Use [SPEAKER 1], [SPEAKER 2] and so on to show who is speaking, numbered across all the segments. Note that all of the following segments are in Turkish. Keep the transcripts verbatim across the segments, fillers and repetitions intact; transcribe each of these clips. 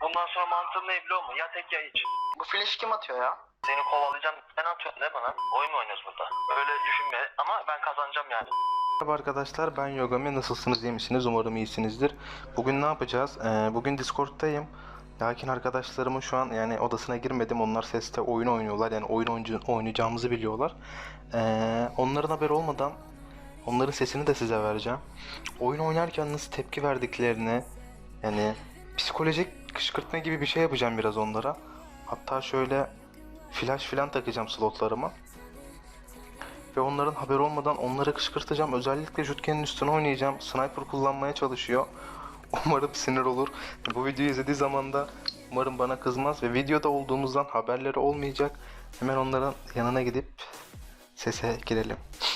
[SPEAKER 1] Bundan sonra mantığım ne biliyor musun? Ya tek ya hiç.
[SPEAKER 2] Bu flash kim atıyor ya?
[SPEAKER 1] Seni kovalayacağım. Sen atıyorsun değil mi bana? Oyun mu oynuyoruz burada? Öyle düşünme ama ben kazanacağım yani.
[SPEAKER 3] Merhaba arkadaşlar, ben Yogami. Nasılsınız, iyi misiniz? Umarım iyisinizdir. Bugün ne yapacağız? Ee, bugün Discord'tayım. Lakin arkadaşlarımın şu an yani odasına girmedim. Onlar seste oyun oynuyorlar. Yani oyun oyuncu, oynayacağımızı biliyorlar. Ee, onların haberi olmadan onların sesini de size vereceğim. Oyun oynarken nasıl tepki verdiklerini, yani psikolojik kışkırtma gibi bir şey yapacağım biraz onlara. Hatta şöyle flash filan takacağım slotlarıma. Ve onların haberi olmadan onları kışkırtacağım. Özellikle Jutken'in üstüne oynayacağım. Sniper kullanmaya çalışıyor. Umarım sinir olur. Bu videoyu izlediği zaman da umarım bana kızmaz. Ve videoda olduğumuzdan haberleri olmayacak. Hemen onların yanına gidip sese girelim.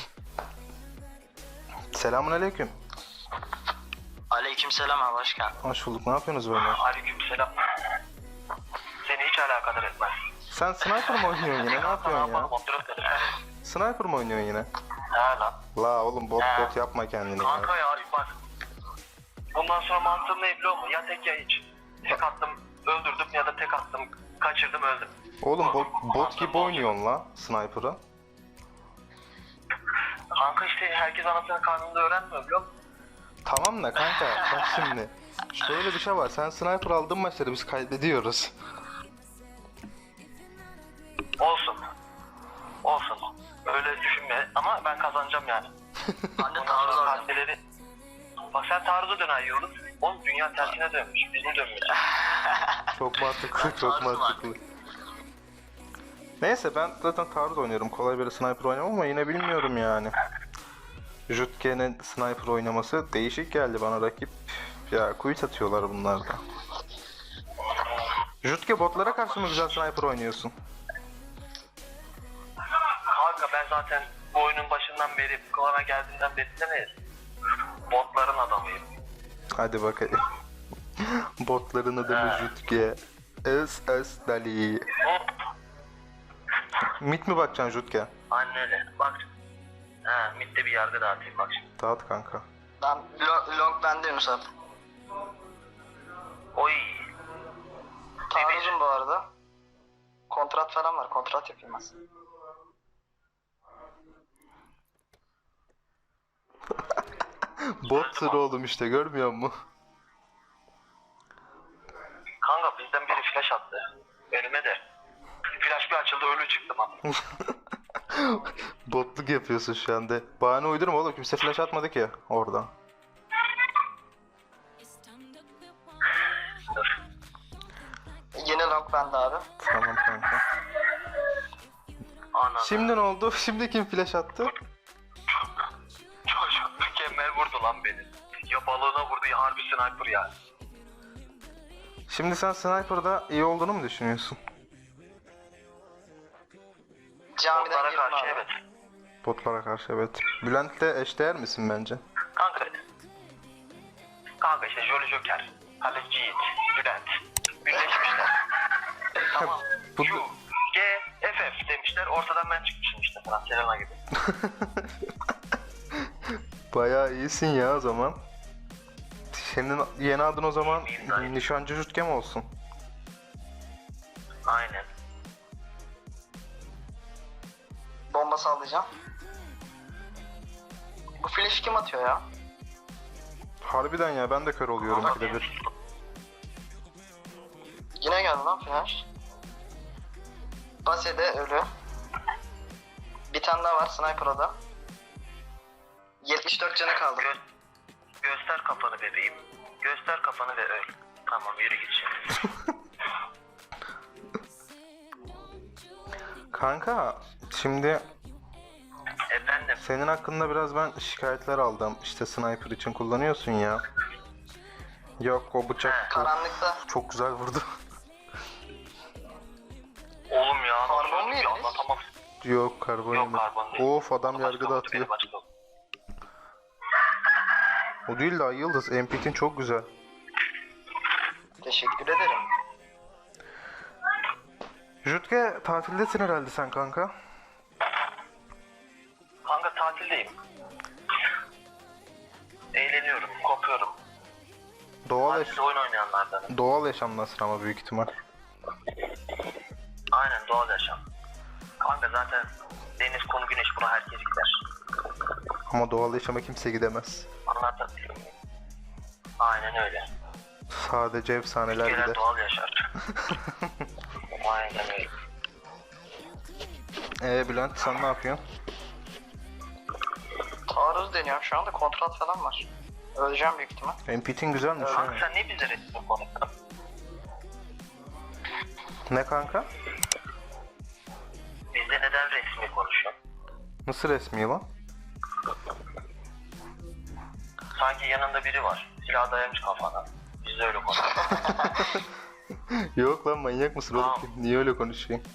[SPEAKER 3] Selamünaleyküm.
[SPEAKER 2] Aleykümselam abi, hoş geldin.
[SPEAKER 3] Hoş bulduk. Ne yapıyorsunuz böyle?
[SPEAKER 1] Aleykümselam. Seni hiç alakadar etmez.
[SPEAKER 3] Sen sniper mı oynuyorsun yine? Ne yapıyorsun ya?
[SPEAKER 1] Kontrol ederim.
[SPEAKER 3] Sniper mı oynuyorsun yine?
[SPEAKER 1] Ha lan.
[SPEAKER 3] La oğlum bot
[SPEAKER 1] He.
[SPEAKER 3] bot yapma kendini
[SPEAKER 1] Kanka
[SPEAKER 3] ya.
[SPEAKER 1] ya bak. Bundan sonra mantığım ne biliyor musun? Ya tek ya hiç. Tek attım öldürdüm ya da tek attım kaçırdım öldüm.
[SPEAKER 3] Oğlum bot, bot gibi oynuyorsun la sniper'ı.
[SPEAKER 1] Kanka işte herkes anasının karnında öğrenmiyor biliyor musun?
[SPEAKER 3] Tamam da kanka bak şimdi. Şöyle bir şey var. Sen sniper aldın maçları biz kaybediyoruz.
[SPEAKER 1] Olsun. Olsun. Öyle düşünme ama ben kazanacağım yani.
[SPEAKER 2] Ben de
[SPEAKER 1] Ondan
[SPEAKER 2] taarruz
[SPEAKER 1] sonra
[SPEAKER 2] aldım.
[SPEAKER 1] partileri... Bak sen taarruza dönen yolun. Oğlum dünya tersine dönmüş. Biz mi dönmüyoruz?
[SPEAKER 3] Çok mantıklı, çok
[SPEAKER 2] Taarruz
[SPEAKER 3] mantıklı. Neyse ben zaten taarruz oynuyorum. Kolay böyle sniper oynamam ama yine bilmiyorum yani. Jutke'nin sniper oynaması değişik geldi bana rakip. Ya quit atıyorlar bunlar da. Jutke botlara karşı mı güzel sniper oynuyorsun?
[SPEAKER 1] Kanka ben zaten bu oyunun başından beri, klana geldiğinden beri de ne? Botların adamıyım.
[SPEAKER 3] Hadi bakayım. Botların adamı Jutke. S S Dali.
[SPEAKER 1] Hop.
[SPEAKER 3] Mit mi bakacaksın Jutke?
[SPEAKER 1] Annene bak. Ha, midde bir yargı dağıtayım bak şimdi.
[SPEAKER 3] Dağıt kanka.
[SPEAKER 2] Ben long, long bende Yunus abi.
[SPEAKER 1] Oy.
[SPEAKER 2] Taarruzum bu arada. Kontrat falan var, kontrat yapayım ben.
[SPEAKER 3] Bottur oğlum işte görmüyor musun?
[SPEAKER 1] Kanka bizden biri flash attı. Önüme de. Flash bir açıldı ölü çıktım abi.
[SPEAKER 3] Botluk yapıyorsun şu anda. Bahane uydurma oğlum kimse flash atmadı ki orada.
[SPEAKER 2] Yeni long bende abi.
[SPEAKER 3] Tamam kanka.
[SPEAKER 1] Ana.
[SPEAKER 3] Şimdi ne oldu? Şimdi kim flash attı?
[SPEAKER 1] Çocuk mükemmel vurdu lan beni. Ya balığına vurdu ya harbi sniper ya.
[SPEAKER 3] Şimdi sen sniper'da iyi olduğunu mu düşünüyorsun?
[SPEAKER 2] Camiden
[SPEAKER 1] Botlara
[SPEAKER 2] girdim
[SPEAKER 1] karşı
[SPEAKER 2] abi.
[SPEAKER 1] evet.
[SPEAKER 3] Botlara karşı evet. Bülent'le eşdeğer misin bence?
[SPEAKER 1] Kanka. Kanka işte Jolly Joker, Kaleci Yiğit, Bülent. Birleşmişler. Tamam.
[SPEAKER 3] Bu-
[SPEAKER 1] Q, G, F F demişler. Ortadan ben çıkmışım işte falan. Selena gibi.
[SPEAKER 3] Bayağı iyisin ya o zaman. Senin yeni adın o zaman Nişancı Jutke mi olsun?
[SPEAKER 1] Aynen.
[SPEAKER 2] Bomba sallayacağım. Bu flash kim atıyor ya?
[SPEAKER 3] Harbiden ya ben de kör oluyorum
[SPEAKER 1] Ama
[SPEAKER 3] ikide bir.
[SPEAKER 2] Yine geldi lan flash. Base'de ölü. Bir tane daha var sniper'da da. yetmiş dört canı kaldı.
[SPEAKER 1] Gö göster kafanı bebeğim. Göster kafanı ve öl. Tamam yürü git şimdi.
[SPEAKER 3] Kanka şimdi
[SPEAKER 1] Efendim.
[SPEAKER 3] senin hakkında biraz ben şikayetler aldım. İşte sniper için kullanıyorsun ya. Yok o bıçak
[SPEAKER 2] Karanlıkta.
[SPEAKER 3] çok güzel vurdu.
[SPEAKER 1] Oğlum ya.
[SPEAKER 2] Karbon
[SPEAKER 1] nasıl
[SPEAKER 2] mu
[SPEAKER 1] öldük ya,
[SPEAKER 2] yediniz?
[SPEAKER 1] anlatamam.
[SPEAKER 3] Yok karbon
[SPEAKER 1] Yok
[SPEAKER 3] yemedi.
[SPEAKER 1] karbon değil.
[SPEAKER 3] Of adam
[SPEAKER 1] Başka
[SPEAKER 3] yargıda
[SPEAKER 1] oldu,
[SPEAKER 3] atıyor.
[SPEAKER 1] benim başka oldu.
[SPEAKER 3] O değil de Ay Yıldız. M P T'in çok güzel.
[SPEAKER 2] Teşekkür ederim.
[SPEAKER 3] Jutke tatildesin herhalde sen kanka.
[SPEAKER 1] Kanka tatildeyim. Eğleniyorum, kopuyorum.
[SPEAKER 3] Doğal, yaş
[SPEAKER 1] Siz oyun oynayanlardan.
[SPEAKER 3] doğal yaşamdasın ama büyük ihtimal.
[SPEAKER 1] Aynen doğal yaşam. Kanka zaten deniz, kum, güneş buna herkes gider.
[SPEAKER 3] Ama doğal yaşama kimse gidemez.
[SPEAKER 1] Anlatabiliyor muyum? Aynen öyle.
[SPEAKER 3] Sadece efsaneler
[SPEAKER 1] Ülkeler
[SPEAKER 3] gider.
[SPEAKER 1] doğal yaşar. Aynen öyle.
[SPEAKER 3] Ee Bülent sen ne yapıyorsun?
[SPEAKER 2] Taarruz deniyorum şu anda, kontrat falan var. Öleceğim büyük ihtimal.
[SPEAKER 3] M P T'in güzelmiş ha.
[SPEAKER 1] Kanka sen ne bize resmi konuştun?
[SPEAKER 3] Ne kanka?
[SPEAKER 1] Bizde neden resmi konuşuyorsun?
[SPEAKER 3] Nasıl resmi lan?
[SPEAKER 1] Sanki yanında biri var. Silah dayamış kafana. Biz de öyle konuşuyoruz.
[SPEAKER 3] Yok lan manyak mısın oğlum?
[SPEAKER 1] Tamam.
[SPEAKER 3] Niye öyle konuşuyorsun?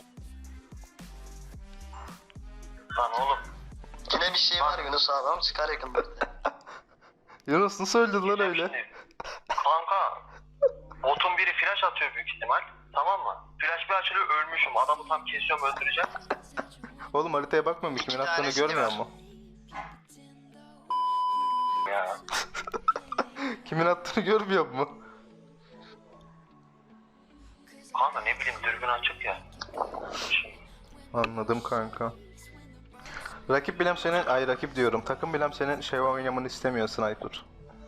[SPEAKER 1] Lan oğlum.
[SPEAKER 2] Yine bir şey var Yunus abi ama çıkar yakında.
[SPEAKER 3] Yunus nasıl öldün lan öyle?
[SPEAKER 1] Şimdi, kanka. Botun biri flash atıyor büyük ihtimal. Tamam mı? Flash bir açılıyor ölmüşüm. Adamı tam kesiyorum öldüreceğim.
[SPEAKER 3] Oğlum haritaya bakmamış kimin attığını
[SPEAKER 2] tanesini
[SPEAKER 3] görmüyor
[SPEAKER 2] ver.
[SPEAKER 3] mu?
[SPEAKER 1] Ya.
[SPEAKER 3] Kimin attığını görmüyor mu?
[SPEAKER 1] Kanka ne bileyim dürbün açık ya.
[SPEAKER 3] Anladım kanka. Rakip bilem senin, ay rakip diyorum. Takım bilem senin şey oynamanı istemiyor Sniper.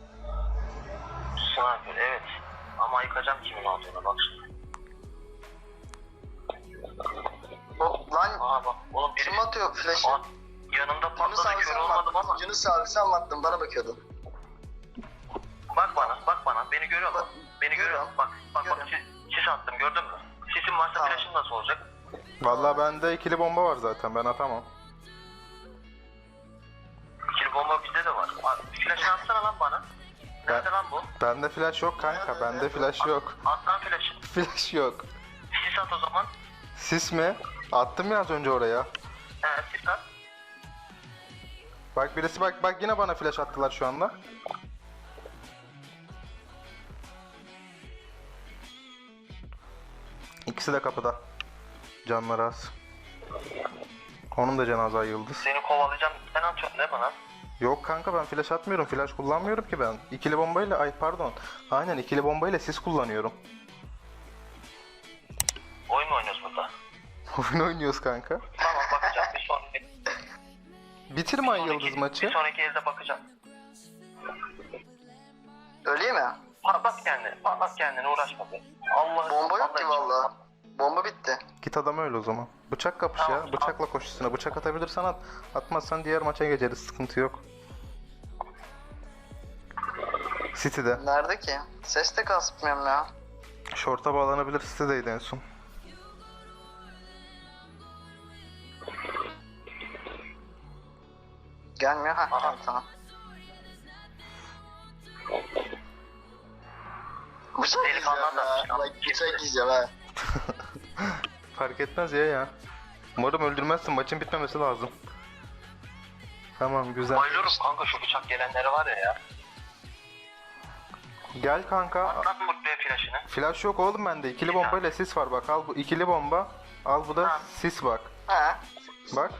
[SPEAKER 1] Sniper evet. Ama yıkacağım kimin olduğuna bak şimdi.
[SPEAKER 2] O, lan
[SPEAKER 1] Aa bak oğlum biri...
[SPEAKER 2] kim atıyor flash'ı?
[SPEAKER 1] Aa, yanımda
[SPEAKER 2] Yunus
[SPEAKER 1] patladı
[SPEAKER 2] abi
[SPEAKER 1] kör
[SPEAKER 2] sen
[SPEAKER 1] olmadım ama.
[SPEAKER 2] baktın. Yunus abi sen baktın bana bakıyordun.
[SPEAKER 1] Bak bana bak bana beni görüyor musun? Beni görüyor
[SPEAKER 2] Görüyorum.
[SPEAKER 1] musun? Bak bak bak
[SPEAKER 2] Görüyorum.
[SPEAKER 1] sis, sis attım gördün mü? Sisin varsa
[SPEAKER 2] Tamam.
[SPEAKER 1] flash'ın nasıl olacak?
[SPEAKER 3] Vallahi bende ikili bomba var zaten ben atamam.
[SPEAKER 1] İkili bomba bizde de var. Aa, flash'ını atsana lan bana. Nerede
[SPEAKER 3] Ben-
[SPEAKER 1] lan bu?
[SPEAKER 3] Bende flash yok kanka, bende flash yok.
[SPEAKER 1] At lan flash'ı.
[SPEAKER 3] Flash yok.
[SPEAKER 1] Sis at o zaman.
[SPEAKER 3] Sis mi? Attım ya az önce oraya.
[SPEAKER 1] He sis at.
[SPEAKER 3] Bak birisi bak bak yine bana flash attılar şu anda. İkisi de kapıda. Canları az. Onun da cenaze yıldız.
[SPEAKER 1] Seni kovalayacağım. Sen atıyorsun değil mi lan?
[SPEAKER 3] Yok kanka ben flash atmıyorum. Flash kullanmıyorum ki ben. İkili bombayla ay pardon. Aynen ikili bombayla sis kullanıyorum.
[SPEAKER 1] Oyun mu oynuyoruz burada?
[SPEAKER 3] Oyun oynuyoruz kanka.
[SPEAKER 1] Tamam bakacağım. Bir sonraki,
[SPEAKER 3] Bitirme ay
[SPEAKER 1] sonraki-
[SPEAKER 3] yıldız maçı.
[SPEAKER 1] Bir sonraki elde bakacağım.
[SPEAKER 2] Öyle mi?
[SPEAKER 1] Patlat kendini. Patlat kendini uğraşma be. Allah
[SPEAKER 2] Bomba yok ki valla. Bomba bitti.
[SPEAKER 3] Git adama öyle o zaman. Bıçak kapış
[SPEAKER 1] Tamam,
[SPEAKER 3] ya. Bıçakla koş üstüne. Bıçak atabilirsen at. Atmazsan diğer maça geçeriz. Sıkıntı yok. City'de.
[SPEAKER 2] Nerede ki? Ses de kasmıyorum ya.
[SPEAKER 3] Short'a bağlanabilir. City'deydi en son.
[SPEAKER 2] Gelmiyor ha.
[SPEAKER 1] Aha.
[SPEAKER 2] Tamam tamam. Bıçak
[SPEAKER 1] Delikanlı
[SPEAKER 2] yiyeceğim ya.
[SPEAKER 1] adam.
[SPEAKER 2] Bak bıçak yiyeceğim ha.
[SPEAKER 3] Fark etmez ya ya. Umarım öldürmezsin. Maçın bitmemesi lazım. Tamam güzel.
[SPEAKER 1] Bayılıyorum kanka şu bıçak gelenleri var ya ya.
[SPEAKER 3] Gel kanka.
[SPEAKER 1] Atlat mutluya flash'ını.
[SPEAKER 3] Flash yok oğlum bende. İkili bombayla sis var bak. Al bu ikili bomba. Al bu da
[SPEAKER 1] Ha.
[SPEAKER 3] sis bak.
[SPEAKER 2] Ha.
[SPEAKER 3] Bak.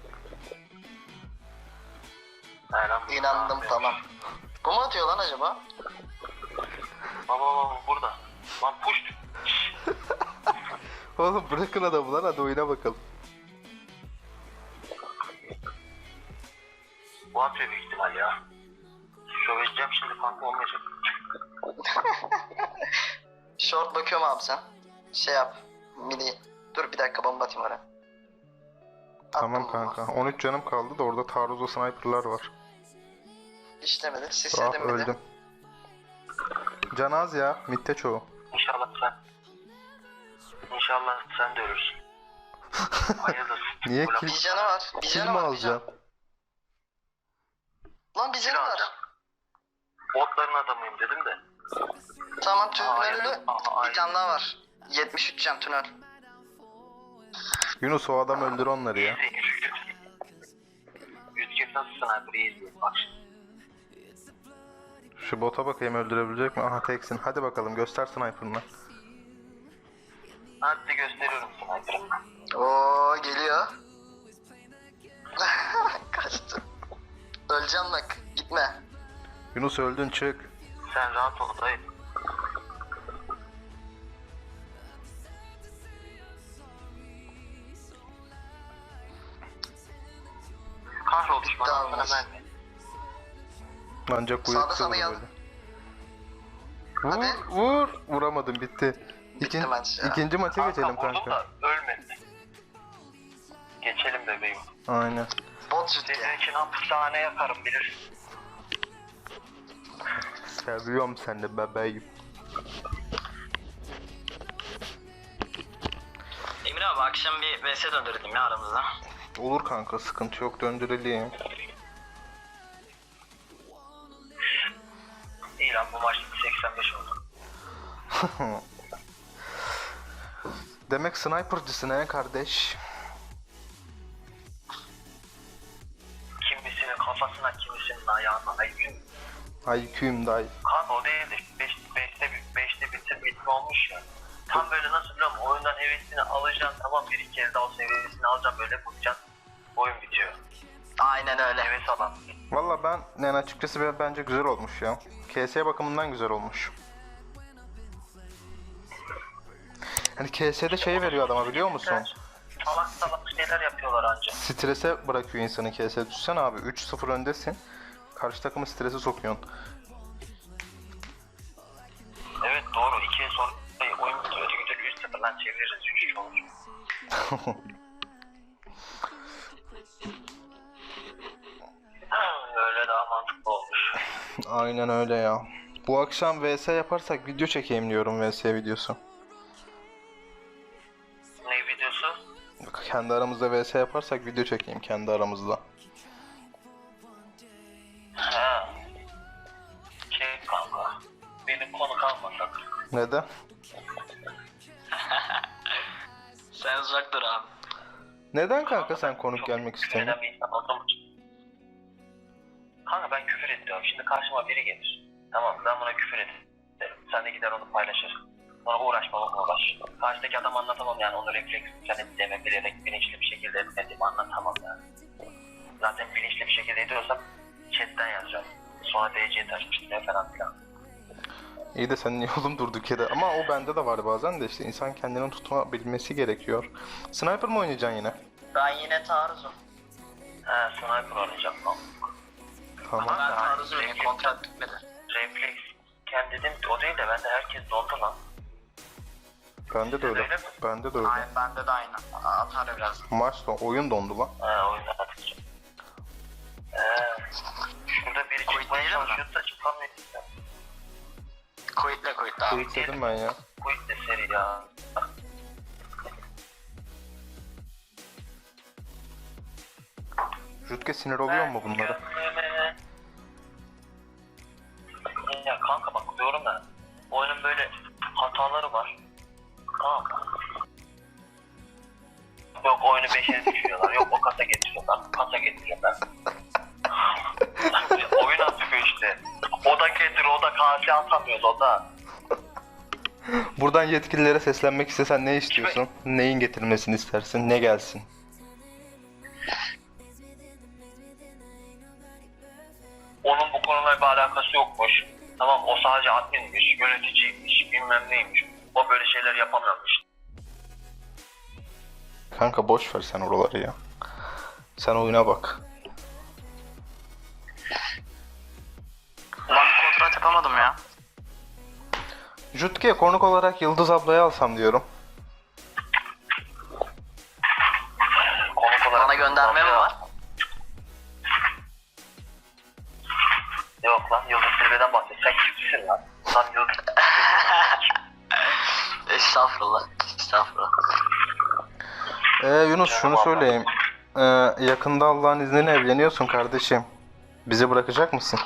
[SPEAKER 1] He lan bu-
[SPEAKER 2] İnandım tamam. Bu mu atıyor lan acaba?
[SPEAKER 1] Baba baba burada. Lan push. Şşş.
[SPEAKER 3] Oğlum bırakın adamı lan hadi oyuna bakalım.
[SPEAKER 1] Bu atıyor büyük ihtimal ya. Söyleyeceğim şimdi kanka olmayacak.
[SPEAKER 2] Short bakıyorum abi sen. Şey yap. Midi. Dur bir dakika bomba atayım oraya.
[SPEAKER 3] Tamam
[SPEAKER 2] Attım bomba.
[SPEAKER 3] kanka. on üç canım kaldı da orada taarruzlu sniperlar var.
[SPEAKER 2] İşlemedi.
[SPEAKER 3] Ah
[SPEAKER 2] Sisledim midi.
[SPEAKER 3] öldüm. Can az ya. Mitte çoğu.
[SPEAKER 1] İnşallah sen. İnşallah sen de ölürsün. Hayırdır.
[SPEAKER 3] Niye
[SPEAKER 1] Bu laf-
[SPEAKER 3] kill,
[SPEAKER 2] Bir canı var. Bir
[SPEAKER 3] kill
[SPEAKER 2] canı
[SPEAKER 3] mi
[SPEAKER 2] var. Bir canı.
[SPEAKER 3] alacaksın?
[SPEAKER 2] Lan bir
[SPEAKER 1] Kill
[SPEAKER 2] canı var.
[SPEAKER 1] alacağım. Botların adamıyım dedim de.
[SPEAKER 2] Tamam
[SPEAKER 1] Hayır.
[SPEAKER 2] tünelli.
[SPEAKER 1] Aa, hayır.
[SPEAKER 2] Bir tane daha var. yetmiş üç can tünel.
[SPEAKER 3] Yunus o adam öldür onları ya.
[SPEAKER 1] Yüzgür nasıl sniper iyi izliyor bak şimdi.
[SPEAKER 3] Şu bota bakayım öldürebilecek mi? Aha teksin. Hadi bakalım göster sniper'ını.
[SPEAKER 1] Hadi gösteriyorum sniper'ı.
[SPEAKER 2] Oo geliyor. Kaçtı. Öleceğim bak. Gitme.
[SPEAKER 3] Yunus öldün çık.
[SPEAKER 1] Sen rahat ol dayı. düşman
[SPEAKER 2] Tamam.
[SPEAKER 1] altına mermi.
[SPEAKER 3] Ancak bu
[SPEAKER 2] Sağda
[SPEAKER 3] yoksa
[SPEAKER 2] sana
[SPEAKER 3] olur
[SPEAKER 2] yaz-
[SPEAKER 3] böyle. Vur,
[SPEAKER 2] Hadi.
[SPEAKER 3] vur. Vuramadım, bitti. İkin,
[SPEAKER 2] maç ya.
[SPEAKER 3] ikinci maça geçelim
[SPEAKER 1] vurdum
[SPEAKER 3] kanka.
[SPEAKER 1] da ölmedi. Geçelim bebeğim.
[SPEAKER 3] Aynen.
[SPEAKER 2] Bot şut
[SPEAKER 1] Senin
[SPEAKER 2] ya.
[SPEAKER 1] için hapishane yakarım bilirsin.
[SPEAKER 3] Seviyorum seni bebeğim.
[SPEAKER 4] Emir abi akşam bir V S döndürdüm ya aramızda.
[SPEAKER 3] Olur kanka, sıkıntı yok, döndürelim.
[SPEAKER 1] İyi lan bu maç seksen beş oldu.
[SPEAKER 3] Demek sniper'cısın he kardeş.
[SPEAKER 1] Kimisinin kafasına kimisinin ayağına aykın.
[SPEAKER 3] I Q'yum dayı.
[SPEAKER 1] Kanka o değil de beşte beşte bitir bitme olmuş ya. Tam böyle nasıl biliyor musun? Oyundan hevesini alacaksın, tamam, bir iki kez daha o seviyesini alacaksın, böyle bulacaksın. Oyun bitiyor.
[SPEAKER 2] Aynen öyle.
[SPEAKER 1] Heves alan.
[SPEAKER 3] Valla ben yani açıkçası ben- bence güzel olmuş ya. K S bakımından güzel olmuş. Hani K S'de şey veriyor adama, biliyor musun?
[SPEAKER 1] Salak salak şeyler yapıyorlar anca.
[SPEAKER 3] Strese bırakıyor insanı K S. Düşsene abi, üç sıfır öndesin. Karşı takımı strese sokuyorsun.
[SPEAKER 1] Evet doğru, ikiye sonra oyun bitiyor. Öteki türlü üç sıfır lan çeviririz, üç üç olur. Öyle daha mantıklı olmuş.
[SPEAKER 3] Aynen öyle ya. Bu akşam V S yaparsak video çekeyim diyorum, V S videosu.
[SPEAKER 1] Ne videosu?
[SPEAKER 3] Kendi aramızda V S yaparsak video çekeyim kendi aramızda.
[SPEAKER 1] Ha. Şey kanka, benim konu kalmasak.
[SPEAKER 3] Neden?
[SPEAKER 4] Sen uzak dur abi.
[SPEAKER 3] Neden kanka sen konuk
[SPEAKER 1] Çok
[SPEAKER 3] gelmek
[SPEAKER 1] küfür
[SPEAKER 3] istemiyorsun?
[SPEAKER 1] eden bir insan olduğum için. Kanka ben küfür ediyorum. Şimdi karşıma biri gelir. Tamam, ben buna küfür ederim. Sen de gider onu paylaşır. Sonra uğraşma bak uğraş. Karşıdaki adam anlatamam yani, onu refleks sen ettiğimi bilerek bilinçli bir şekilde etmediğimi anlatamam yani. Zaten bilinçli bir şekilde ediyorsam chatten yazacağım. Sonra D C'ye taşmıştım ya falan filan.
[SPEAKER 3] İyi de sen niye oğlum durduk yere? Ama o bende de var bazen de, işte insan kendini tutabilmesi gerekiyor. Sniper mı oynayacaksın yine?
[SPEAKER 2] Ben yine taarruzum.
[SPEAKER 1] He, sniper oynayacağım lan.
[SPEAKER 3] Tamam.
[SPEAKER 2] Ben taarruzum yine, kontrat bitmedi.
[SPEAKER 1] Refleks kendi dedim, o değil de bende herkes dondu lan.
[SPEAKER 3] Bende de öyle.
[SPEAKER 1] Öyle mi?
[SPEAKER 3] Bende de öyle.
[SPEAKER 2] Aynen bende de aynı. Atar biraz.
[SPEAKER 3] Maç son, oyun dondu lan.
[SPEAKER 1] He, oyunda atacağım. He, şurada biri
[SPEAKER 2] Quit
[SPEAKER 1] çıkmaya
[SPEAKER 2] değil mi?
[SPEAKER 1] çalışıyordu da çıkamıyor.
[SPEAKER 2] Quit'le quit'le abi.
[SPEAKER 3] Tweet dedim ben ya.
[SPEAKER 1] Quit de seri ya.
[SPEAKER 3] Jutke sinir oluyor mu bunlara?
[SPEAKER 1] Ya kanka bak diyorum ya, oyunun böyle hataları var. Tamam mı? Yok oyunu beşe düşürüyorlar, yok o kasa getiriyorlar, kasa getiriyorlar. Oyun atıyor işte. O da getir, o da kase atamıyoruz, o da.
[SPEAKER 3] Buradan yetkililere seslenmek istesen ne istiyorsun? Neyin getirilmesini istersin? Ne gelsin?
[SPEAKER 1] Onun bu konuyla bir alakası yokmuş. Tamam, o sadece adminmiş, yöneticiymiş, bilmem neymiş. O böyle şeyler yapamıyormuş.
[SPEAKER 3] Kanka boş ver sen oraları ya. Sen oyuna bak.
[SPEAKER 2] Ulan bir kontrat yapamadım ya.
[SPEAKER 3] Jutke konuk olarak Yıldız ablayı alsam diyorum.
[SPEAKER 1] Konuk olarak...
[SPEAKER 2] Bana gönderme mi var?
[SPEAKER 1] Yok lan, Yıldız Tilbe'den bahsediyor. Sen kimsin lan? Lan Yıldız
[SPEAKER 2] Estağfurullah. Estağfurullah.
[SPEAKER 3] Ee Yunus şunu söyleyeyim. Ee, yakında Allah'ın izniyle evleniyorsun kardeşim. Bizi bırakacak mısın?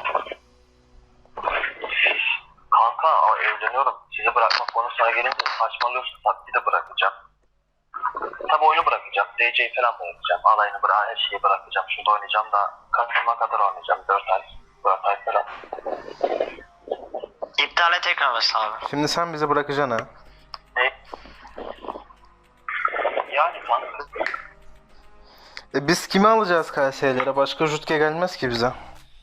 [SPEAKER 1] Kanka aa, evleniyorum. Sizi bırakmak konusuna gelince saçmalıyorsun. Tabii de bırakacağım. Tabii oyunu bırakacağım. D C'yi falan bırakacağım. Alayını bırak, her şeyi bırakacağım. Şurada oynayacağım da Kasım'a kadar oynayacağım. dört ay. dört ay falan.
[SPEAKER 2] İptale tekrar mesela abi.
[SPEAKER 3] Şimdi sen bizi bırakacaksın ha.
[SPEAKER 1] Ne? Yani kanka.
[SPEAKER 3] E biz kimi alacağız K S'lere? Başka Jutke gelmez ki bize.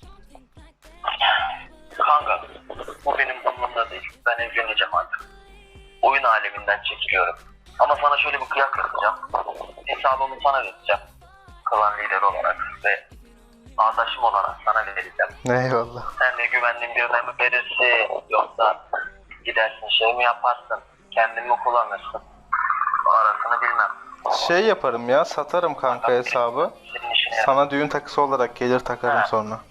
[SPEAKER 1] Kanka. Bu benim umurumda değil. Ben evleneceğim artık. Oyun aleminden çekiliyorum. Ama sana şöyle bir kıyak yapacağım. Hesabımı sana vereceğim. Klan lideri olarak ve Adaşım olarak sana vereceğim.
[SPEAKER 3] Eyvallah.
[SPEAKER 1] Sen de güvendiğin birine mi verirsin yoksa gidersin şey mi yaparsın? Kendin mi kullanırsın? Arasını bilmem.
[SPEAKER 3] Şey yaparım ya, satarım kanka hesabı.
[SPEAKER 1] Senin işine yarar.
[SPEAKER 3] Sana düğün takısı olarak gelir takarım
[SPEAKER 1] Ha.
[SPEAKER 3] sonra.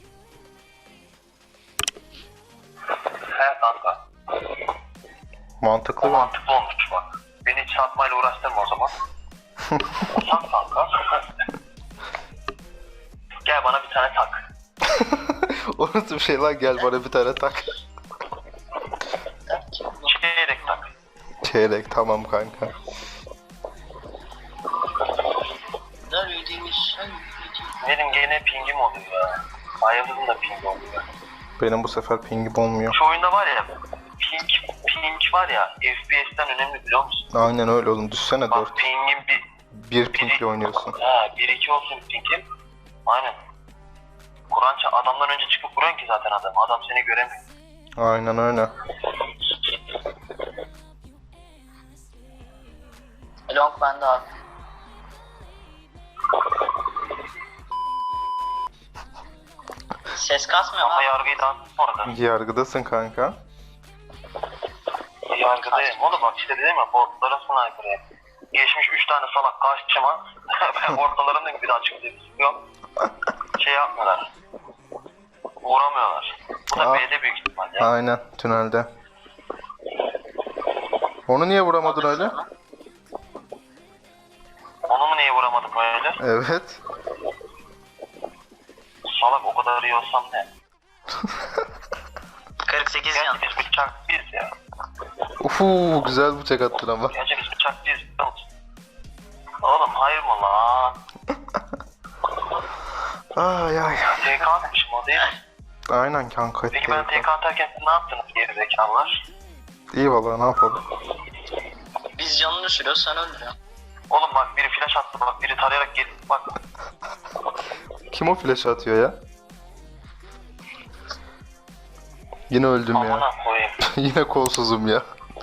[SPEAKER 1] He kanka.
[SPEAKER 3] Mantıklı
[SPEAKER 1] O
[SPEAKER 3] mı?
[SPEAKER 1] mantıklı olmuş bak. Beni hiç satmayla uğraştırma o zaman. Sat kanka. Gel bana bir tane tak.
[SPEAKER 3] O nasıl bir şey lan, gel bana bir tane tak.
[SPEAKER 1] Çeyrek tak.
[SPEAKER 3] Çeyrek, tamam kanka.
[SPEAKER 1] Benim gene pingim oluyor ya. Ayıldızın da pingi oluyor.
[SPEAKER 3] Benim bu sefer pingim olmuyor.
[SPEAKER 1] Şu oyunda var ya, ping, ping var ya, F P S'ten önemli biliyor musun?
[SPEAKER 3] Aynen öyle oğlum, düşsene
[SPEAKER 1] Bak
[SPEAKER 3] dört.
[SPEAKER 1] pingim bir,
[SPEAKER 3] Bir pingle oynuyorsun.
[SPEAKER 1] ha bir iki olsun pingim. Aynen. Kur'an ça- adamdan önce çıkıp vuruyorsun ki zaten adam. Adam seni göremiyor.
[SPEAKER 3] Aynen öyle.
[SPEAKER 2] Long bende abi. Ses kasmıyor
[SPEAKER 1] Ama
[SPEAKER 2] abi.
[SPEAKER 1] yargıyı da orada.
[SPEAKER 3] Yargıdasın kanka.
[SPEAKER 1] Yargıdayım. Oğlum bak işte dedim ya, botlara sniper yap. Geçmiş üç tane salak karşıma. Ben ortalarında bir daha çıktı. Yok. Şey yapmıyorlar. Vuramıyorlar. Bu da
[SPEAKER 3] Ah.
[SPEAKER 1] B'de büyük ihtimal ya.
[SPEAKER 3] Aynen, tünelde. Onu niye vuramadın öyle?
[SPEAKER 1] Onu mu niye vuramadım böyle?
[SPEAKER 3] Evet.
[SPEAKER 1] Salak o kadar iyi olsam ne?
[SPEAKER 4] kırk sekiz
[SPEAKER 1] Gerçi
[SPEAKER 4] yan.
[SPEAKER 1] biz bıçak biz ya.
[SPEAKER 3] Ufu, güzel bıçak attın ama.
[SPEAKER 1] Gerçi biz bıçak biz. Oğlum hayır mı lan?
[SPEAKER 3] Ay ay.
[SPEAKER 1] T K atmışım o değil mi?
[SPEAKER 3] Aynen kanka.
[SPEAKER 1] Peki ben T K atarken siz ne yaptınız geri zekalılar?
[SPEAKER 3] İyi valla, ne yapalım.
[SPEAKER 2] Biz canını düşürüyoruz sen öldürüyorsun.
[SPEAKER 1] Oğlum bak biri flash attı, bak biri tarayarak geldi, bak.
[SPEAKER 3] Kim o flash atıyor ya? Yine öldüm ya.
[SPEAKER 1] Amına koyayım.
[SPEAKER 3] Yine kolsuzum ya.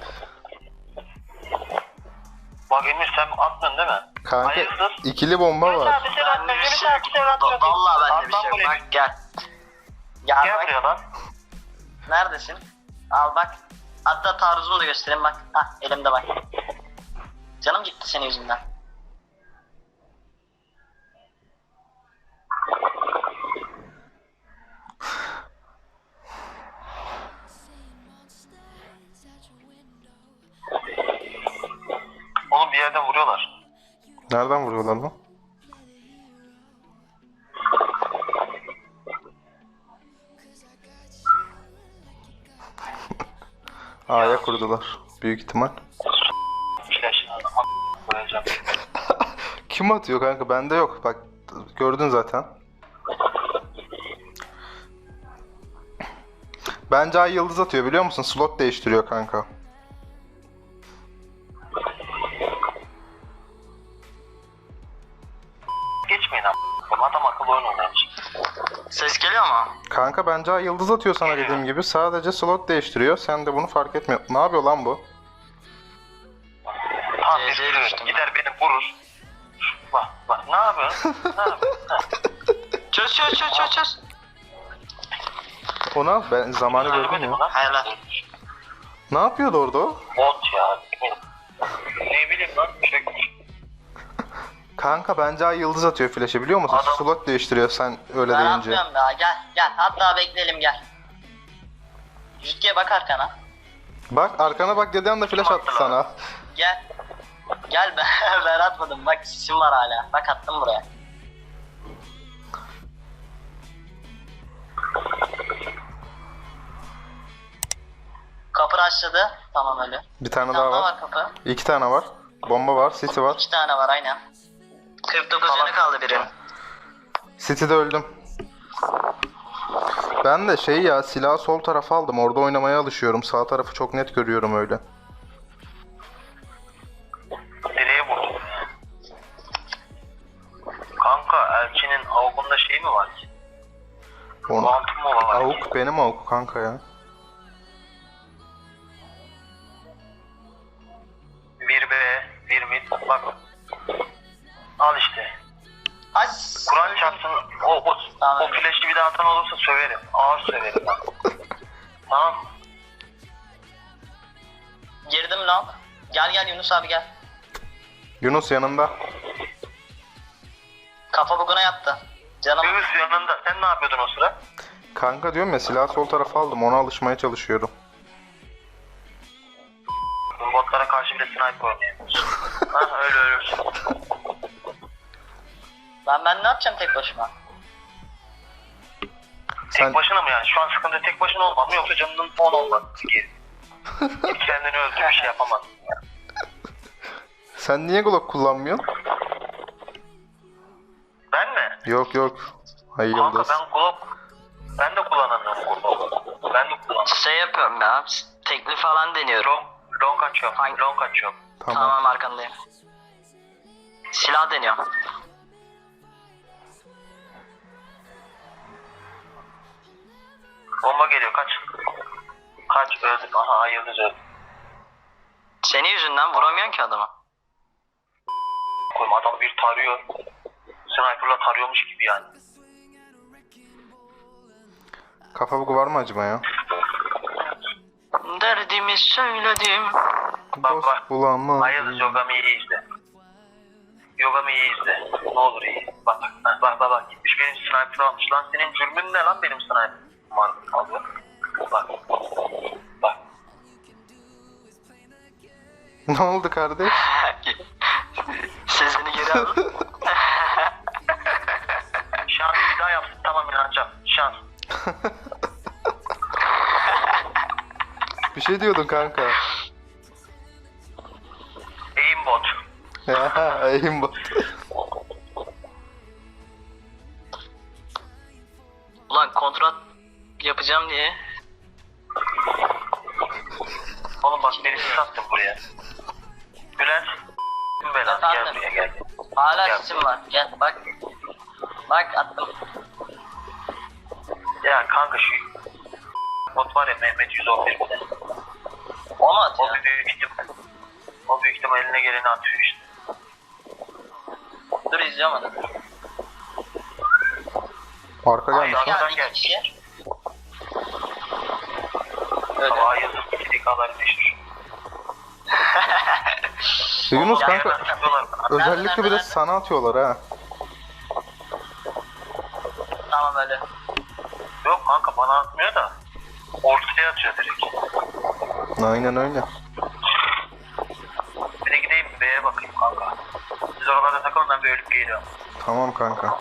[SPEAKER 1] Bak Emir sen attın değil mi?
[SPEAKER 3] Kanka
[SPEAKER 1] Hayırsız.
[SPEAKER 3] ikili bomba var.
[SPEAKER 1] Bir şey atma, bir şey atma, bir şey atma.
[SPEAKER 4] Vallahi bende bir
[SPEAKER 1] Atlan
[SPEAKER 4] şey yok.
[SPEAKER 1] buraya.
[SPEAKER 4] Bak gel.
[SPEAKER 2] Gel
[SPEAKER 1] Gel
[SPEAKER 2] bak.
[SPEAKER 1] buraya lan.
[SPEAKER 2] Neredesin? Al bak. Hatta taarruzumu da göstereyim bak. Hah elimde bak. Canım gitti senin yüzünden.
[SPEAKER 1] Oğlum bir yerden vuruyorlar.
[SPEAKER 3] Nereden vuruyorlar lan? A'ya kurdular. Büyük ihtimal.
[SPEAKER 1] Flash. a- Koyacağım.
[SPEAKER 3] Kim atıyor kanka? Bende yok. Bak gördün zaten. Bence Ay yıldız atıyor biliyor musun? Slot değiştiriyor kanka.
[SPEAKER 1] Geçmeyin ama. Adam akıllı oyun oynamış.
[SPEAKER 4] Ses geliyor mu?
[SPEAKER 3] Kanka bence Ay yıldız atıyor sana dediğim gibi. Sadece slot değiştiriyor. Sen de bunu fark etmiyor. Ne yapıyor lan bu?
[SPEAKER 1] Tam
[SPEAKER 4] Ee,
[SPEAKER 1] bir
[SPEAKER 4] şey
[SPEAKER 1] sürü.
[SPEAKER 4] düştüm.
[SPEAKER 1] Gider beni vurur. Bak bak ne yapıyorsun? Ne yapıyorsun? Ha.
[SPEAKER 4] Çöz çöz çöz çöz çöz.
[SPEAKER 3] Ona ben zamanı gördüm
[SPEAKER 1] Görmedim
[SPEAKER 3] ya.
[SPEAKER 1] lan.
[SPEAKER 4] Hayır lan.
[SPEAKER 3] Ne yapıyordu orada o?
[SPEAKER 1] Bot ya. Ne bileyim lan. Çökmüş.
[SPEAKER 3] Kanka bence Ay yıldız atıyor flash'ı biliyor musun?
[SPEAKER 1] Adam-
[SPEAKER 3] Slot değiştiriyor sen öyle
[SPEAKER 2] Ben
[SPEAKER 3] deyince.
[SPEAKER 2] atmıyorum daha gel gel. Hatta bekleyelim gel. Jütke'ye bak arkana.
[SPEAKER 3] Bak arkana bak dedi anda flash attı sana.
[SPEAKER 2] Gel. Gel ben, ben atmadım bak sisim var hala. Bak attım buraya. Kapı açladı. Tamam öyle.
[SPEAKER 3] Bir tane
[SPEAKER 2] Bir
[SPEAKER 3] daha
[SPEAKER 2] tane daha
[SPEAKER 3] var.
[SPEAKER 2] var kapı.
[SPEAKER 3] İki tane var. Bomba var. City var.
[SPEAKER 2] İki tane var aynen.
[SPEAKER 4] kırk dokuz yanı kaldı birinin.
[SPEAKER 3] City'de öldüm. Ben de şey ya silahı sol tarafa aldım. Orada oynamaya alışıyorum. Sağ tarafı çok net görüyorum öyle.
[SPEAKER 1] Direğe vurdum. Kanka Elçinin avukunda şey mi var ki?
[SPEAKER 3] Onu...
[SPEAKER 1] Kuantum mu var?
[SPEAKER 3] Avuk benim avuk kanka ya.
[SPEAKER 1] Bir B, bir mid. Bak. Al işte.
[SPEAKER 2] Ay.
[SPEAKER 1] Kur'an çarpsın. O, o
[SPEAKER 2] Tamam.
[SPEAKER 1] O flash'ı bir daha atan olursa söverim. Ağır söverim ben. Tamam.
[SPEAKER 2] Girdim lan. Gel gel Yunus abi gel.
[SPEAKER 3] Yunus yanında.
[SPEAKER 2] Kafa buguna yattı. Canım.
[SPEAKER 1] Yunus yanında. Sen ne yapıyordun o sıra?
[SPEAKER 3] Kanka diyorum ya, silahı sol tarafa aldım, ona alışmaya çalışıyorum.
[SPEAKER 1] Botlara karşı bile sniper oynayamıyorsun. Ha öyle ölürsün.
[SPEAKER 2] Lan ben ne yapacağım tek başıma?
[SPEAKER 3] Sen
[SPEAKER 1] Tek başına mı yani? Şu an sıkıntı tek başına olmam mı yoksa canının on olması gerekiyor. Hiç kendini öldür bir şey yapamazsın.
[SPEAKER 3] sen niye Glock kullanmıyorsun?
[SPEAKER 1] Ben mi?
[SPEAKER 3] Yok yok. Hayır
[SPEAKER 1] Kanka
[SPEAKER 3] Yıldız.
[SPEAKER 1] ben Glock... Ben de kullanamıyorum Glock. Ben de kullanamıyorum.
[SPEAKER 4] Şey yapıyorum ya. Tekli falan deniyorum.
[SPEAKER 1] Long, long açıyorum.
[SPEAKER 4] Hangi-
[SPEAKER 1] Long açıyorum.
[SPEAKER 3] Tamam.
[SPEAKER 4] Tamam arkandayım. Silah deniyorum.
[SPEAKER 1] Bomba geliyor kaç. Kaç öldüm. Aha Yıldız öldü.
[SPEAKER 4] Senin yüzünden vuramıyorsun ki adamı.
[SPEAKER 1] Koyma adam bir tarıyor. Sniper'la tarıyormuş gibi yani.
[SPEAKER 3] Kafa bugu var mı acaba ya?
[SPEAKER 4] Derdimi söyledim.
[SPEAKER 1] Bak,
[SPEAKER 3] Dost
[SPEAKER 1] bak.
[SPEAKER 3] bulamam.
[SPEAKER 1] Hayır Yogami iyi izle. Yogami iyi izle. Ne olur iyi. Bak bak bak bak. bak. Gitmiş benim sniper almış. Lan senin cürmün ne lan benim sniper? Var alıyor. Bak. Bak.
[SPEAKER 3] Ne oldu kardeş?
[SPEAKER 4] Sesini geri al.
[SPEAKER 1] Şans bir daha yapsın tamam inanacağım. Şans.
[SPEAKER 3] Bir şey diyordun kanka.
[SPEAKER 1] Aimbot.
[SPEAKER 3] Ya aimbot.
[SPEAKER 4] Ulan kontrat yapacağım diye.
[SPEAKER 1] Oğlum bak beni sattın buraya. Bülent. Belan gel
[SPEAKER 2] Efendim?
[SPEAKER 1] buraya gel.
[SPEAKER 2] Hala
[SPEAKER 1] Gel.
[SPEAKER 2] sesim var. Gel bak. Bak attım.
[SPEAKER 1] Ya kanka şu bot var ya Mehmet yüz on bir bile.
[SPEAKER 2] O mu
[SPEAKER 1] O
[SPEAKER 2] atıyor?
[SPEAKER 1] büyük ihtimal. O büyük ihtimal eline geleni atıyor işte.
[SPEAKER 2] Dur izliyorum onu.
[SPEAKER 3] Arka
[SPEAKER 1] Hayır,
[SPEAKER 3] gelmiş lan.
[SPEAKER 1] arkadan
[SPEAKER 2] Gel
[SPEAKER 1] gel.
[SPEAKER 2] iki kişi. Öyle.
[SPEAKER 1] Ama Yıldız iki dikalar meşhur.
[SPEAKER 3] Yunus
[SPEAKER 1] Ya,
[SPEAKER 3] kanka
[SPEAKER 1] yerden yapıyorlar bana.
[SPEAKER 3] özellikle
[SPEAKER 2] Nerede,
[SPEAKER 3] bir de
[SPEAKER 2] nerede?
[SPEAKER 3] sana atıyorlar ha.
[SPEAKER 2] Tamam öyle.
[SPEAKER 1] Yok kanka bana atmıyor da. Ortaya atıyor direkt.
[SPEAKER 3] Aynen öyle.
[SPEAKER 1] Bir de gideyim B'ye bakayım kanka. Siz oralarda takılın ben bir ölüp geliyorum.
[SPEAKER 3] Tamam kanka.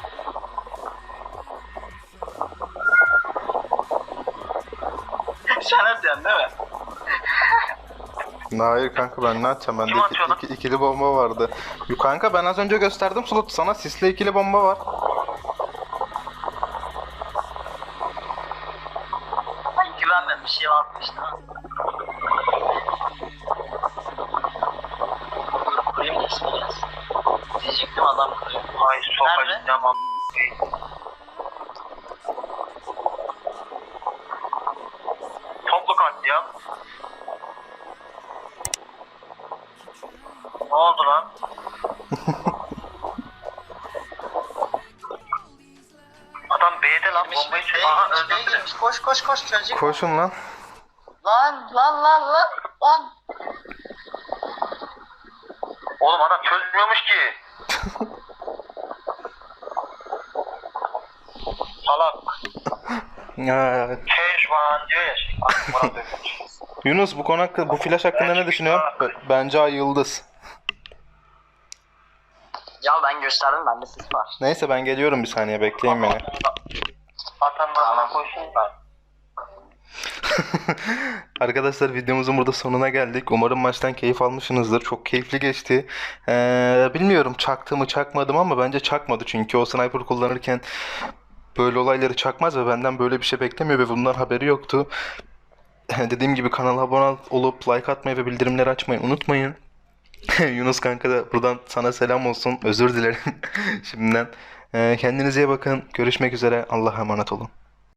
[SPEAKER 2] Sen atıyorsun değil mi?
[SPEAKER 3] Hayır kanka, ben ne atacağım? Bende
[SPEAKER 1] Kim
[SPEAKER 3] iki,
[SPEAKER 1] atıyor lan?
[SPEAKER 3] iki- ikili bomba vardı. Yo kanka, ben az önce gösterdim slot sana, sisle ikili bomba var.
[SPEAKER 2] Ay güvenmem bir şey atmıştı. Dur kurayım da ismi gelsin. Diyecektim adam kuruyor.
[SPEAKER 1] Ay
[SPEAKER 2] Nerede?
[SPEAKER 1] sokacağım am. Toplu katliam. Ne oldu lan? Adam B'de lan
[SPEAKER 2] Girmiş,
[SPEAKER 1] bombayı
[SPEAKER 2] B'ye
[SPEAKER 1] çözüyor. Aha
[SPEAKER 2] girmiş, B'ye
[SPEAKER 1] öldürdü.
[SPEAKER 2] girmiş. Koş koş koş çözecek.
[SPEAKER 3] Koşun lan.
[SPEAKER 2] Lan lan lan lan lan.
[SPEAKER 1] Oğlum adam çözmüyormuş ki. Salak.
[SPEAKER 3] Ya,
[SPEAKER 1] Keşvan diyor ya şey. Aklıma dönüyor.
[SPEAKER 3] Yunus bu konu hakkında, bu flash hakkında ne düşünüyorsun? B- Bence Ay Yıldız.
[SPEAKER 4] Ya ben gösterdim, bende sis var.
[SPEAKER 3] Neyse ben geliyorum, bir saniye bekleyin beni.
[SPEAKER 1] Atan bana koysun da.
[SPEAKER 3] Arkadaşlar videomuzun burada sonuna geldik. Umarım maçtan keyif almışsınızdır. Çok keyifli geçti. Ee, bilmiyorum çaktı mı çakmadım ama bence çakmadı. Çünkü o sniper kullanırken böyle olayları çakmaz ve benden böyle bir şey beklemiyor ve bundan haberi yoktu. Dediğim gibi kanala abone olup like atmayı ve bildirimleri açmayı unutmayın. Yunus kanka da buradan sana selam olsun. Özür dilerim şimdiden. Ee, kendinize iyi bakın. Görüşmek üzere. Allah'a emanet olun.